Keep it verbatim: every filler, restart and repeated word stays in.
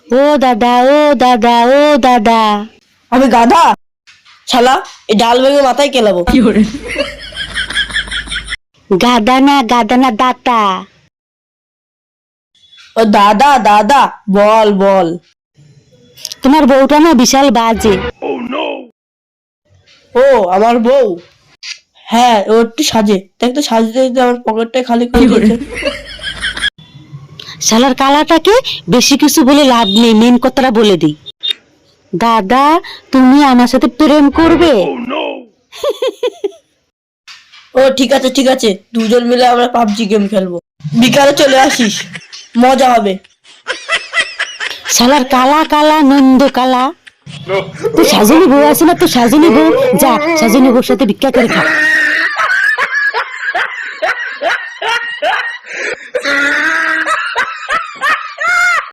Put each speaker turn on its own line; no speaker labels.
ও দাদা, ও দাদা, ও দাদা।
আমি গাধা? শালা, এই ডাল ভেঙে মাথায় কেলাবো।
গাদা না, গাদা না, দাতা।
ও দাদা দাদা, বল বল।
তোমার বউটা না বিশাল বাজে।
ও আমার বউ? হ্যাঁ, ও একটু সাজে। দেখ তো সাজতে সাজতে আমার পকেটটা খালি করে দিয়েছে।
শালার কালাটাকে বেশি কিছু বলে লাভ নেই, মেন কথাটা বলে দিই। দাদা, তুমি আমার সাথে প্রেম করবে?
ও ঠিক আছে ঠিক আছে, দুজন মিলে আমরা পাবজি গেম খেলবো। বিকালে চলে আসিস, মজা হবে।
শালার কালা কালা নন্দ কালা। তো সাজনী বউ আছে না, তো সাজনী বউ, যা সাজনী বউর সাথে ভিক্ষা করে খা।